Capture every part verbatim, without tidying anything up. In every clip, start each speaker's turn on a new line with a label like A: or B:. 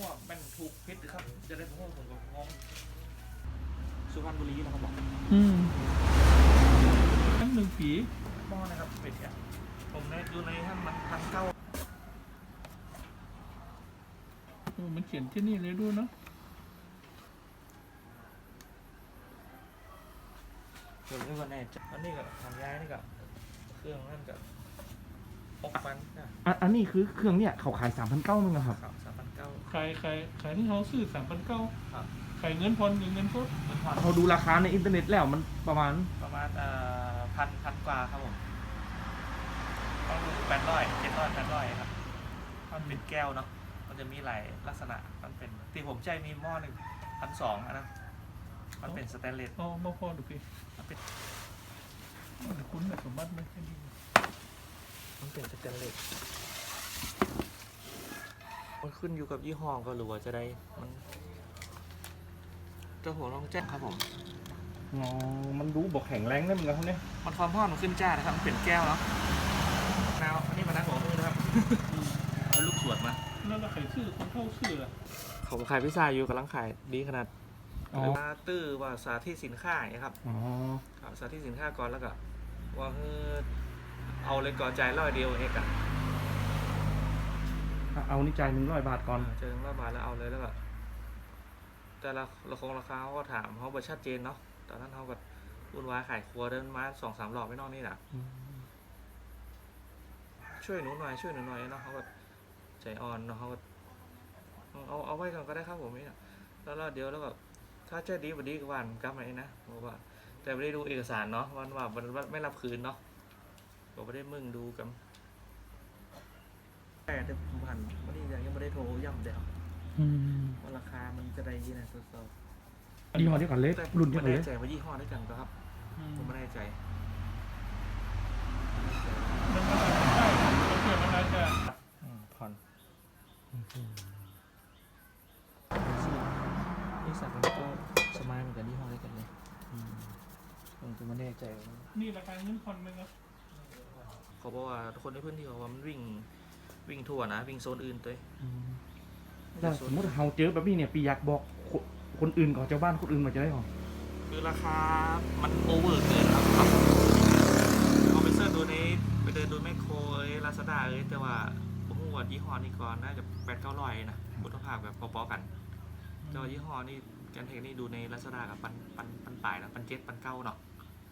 A: ว่ามันถูกพิษหรือครับจะได้ผมว่าผมก็งงสุพรรณบุรีนะครับบอก
B: อืมทั้งหนึ่งปี
A: หม้อนะครับเป็ดเนี่ยผมในดูในท่านมันพันเก้า
B: โอ้มันเขียนที่นี่เลยด้วยเนาะ
A: เดี๋ยวนี้วันแน่อันนี้ก็ทำย้ายนี่ก็เครื่องนั่นก็หกพันนะ
C: อ่ะอันนี้คือเครื่องเนี่ยเขาขายสามพันเก้ามั้งครับ
A: ครับสามพันเก้า
B: ขายขายขายที่เขาซื้อสามพันเก้า
A: ครับ
B: ขายเงินพอนหรือเงินสด
A: เงินผ่อน
C: เขาดูราคาในอินเทอร์เน็ตแล้วมันประมาณ
A: ประมาณเอ่อพันพันกว่าครับผมต้องดูแปดร้อยเจ็ดร้อยแปดร้อยครับมันเป็นแก้วเนาะมันจะมีหลายลักษณะมันเป็นที่ผมใจมีหม้อหนึ่งพันสองนะมันเป็นสแตนเลส
B: อ๋อมาพอดูพี่
A: มันเป็น
B: มันคุ้นแบบสมบัติไหมแค่นี้
A: มันเป็นสแตนเลสมันขึ้นอยู่กับยี่ห้อก็หรือว่าจะได้มันเจ้าหัวลองแจ้งครับผม
C: อ๋อมันรู้บอกแข็งแรงได้เหมือนกันเนี่ย
A: มันความร้อนมันขึ้นจ้านะครับมันเปลี่ยนแก้วเนาะนาวอันนี้มันนะหัวมือนะครับเอาลูกสวดมา
B: แล้วเราขายชื่อคนเข้าชื่อล่ะ
A: ผมขายพิซซ่าอยู่กำลังขายดีขนาดมาตื้อว่าสาธิตสินค้าอย่างนี้ครับ
C: อ๋อ
A: สาธิตสินค้าก่อนแล้วก็ว่าเออเอาเลยก่อใจร้อยเดียวเอกอะ
C: เอานี่จ่ายหนึ่งร้อยบาทก่อน
A: เจอหนึ่งร้อยบาทแล้วเอาเลยแล้วก็แต่ละราคงราคาเขาก็ถามเขาบอกชัดเจนเนาะตอนนั้นเขาก็วุ่นวายขายครัวเดินมาสองสามรอบไม่นอกนี่แหละช่วยหนูหน่อยช่วยหนูหน่อยเนาะเขาก็ใจอ่อนเนาะเขาก็เอาเอาไว้ก่อนก็ได้ครับผมนี่แล้วเดี๋ยวแล้วก็ถ้าเจอดีวันดีก็วันกลับมาเองนะบอกว่าแต่ไม่ได้ดูเอกสารเนาะวันว่ามันไม่รับคืนเนาะบอกไม่ได้มึงดูกันแต่แต่ผมผ่านวันนี้ยังไม่ได้โทรย่ำเดี๋ยวว่าราคามันจะได้ยี่นะตัวโซ่
C: ยี่ห้อเดียวกันเลยรุ่นเดียวกันเลย
A: ไม่แน่ใจว่ายี่ห้อได้กันครับผมไม่แน่ใจ
B: มันก็ได้มันเกิดอะไรจะ
A: ผ่อนนี่สักมันก็สมัยเหมือนกันยี่ห้อได้กันเลยผมก็ไม่แน่ใจ
B: นี่ราคาเงินผ่อนมันก็
A: เขาบอกว่าคนในพื้นที่เขาว่ามันวิ่งวิ่งทั่วนะวิ่งโซนอื่นตัว
C: แต่สมมติเราเจอแบบนี้เนี่ยปีอยากบอกคนอื่นก่อนเจ้าบ้านคนอื่นมาจะได้หรอ
A: คือราคามันโอเวอร์เกินครับเอาไปเสิร์ชดูในไปเดินดูแมคโครเอ้ลาซาด้าเอ้แต่ว่าผมว่ายี่ห้อนี้ก่อนน่าจะแปดเก้าร้อยนะคุณภาพแบบพอๆกันแต่ว่ายี่ห้อนี้การเทคนี่ดูในลาซาด้ากับปันปันปันป่ายนะปันเจ็ดปันเก้าเนาะ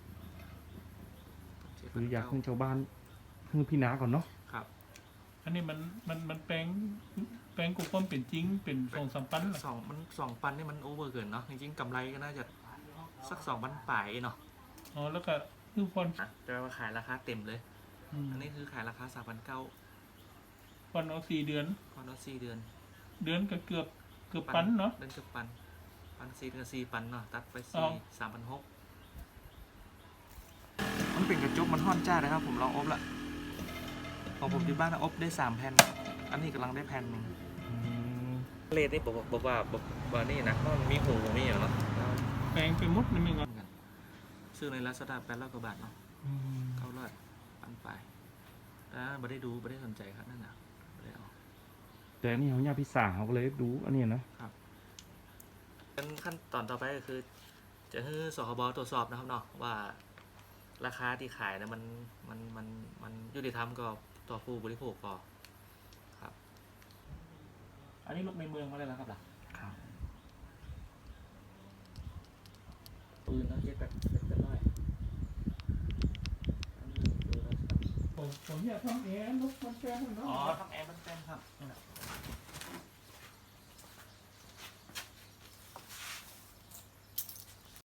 C: คืออยากให้ชาวบ้านคือพี่นาก่อนเนาะ
A: ครับ
B: อันนี้มันมันมันแปลงแปลงกุความเป็นจริงเป็นสองสามปัน
A: สองมันสองปันนี่มันโอเวอร์เกินเนาะจริงๆกำไรก็น่าจะสักสองปันป่ายเนาะ
B: อ๋อแล้วก็คือคน
A: แต่ว่าขายราคาเต็มเลยอันนี้คือขายราคาสามพันเก้า
B: ผ่อนเอาสี่เดือน
A: ผ่อนเอาสี่เดือน
B: เดือนก็เกือบเกือบปันเนาะ
A: เดือนเกือบปันปันสี่เดือนสี่ปันเนาะตัดไปสี่สามพันหกมันเป็นกระจกมันห่อนจ้าเลยครับผมลองอบละของผมที่บ้านอบได้สามแผ่นอันนี้กำลังได้แผ่นหนึ่งเลดนี่บอกบอกว่าบอกว่านี่นะมันมีหูมีอย่างเนาะ
B: แปลงไปมุดนี่มึงอ่ะ
A: ซื้อในลาซาด้าแปดร้อยกว่าบาทเนาะเก้าร้อยปันไปแล้วไม่ได้ดูไม่ได้สนใจครับนั่นนะไม่ได้เอา
C: แต่นี่เขาเนี่ยพิซซ่าเขาก็เลยดูอันนี้นะครับ
A: ขั้นตอนต่อไปก็คือจะให้สคบตรวจสอบนะครับเนาะว่าราคาที่ขายนะมันมันมันมันยุติธรรมก็ต่อผู้บริโภคก็ครับอันนี้ลูกในเมืองมาเลยนะครับล่ะ
C: ครับ
A: ปืนนะเย็ดแบบเป็นร้อย
B: ผมผมอยากทำแอร์ลูกมันแป้งเนาะ
A: อ๋อทำแอร์มันแป้งครับ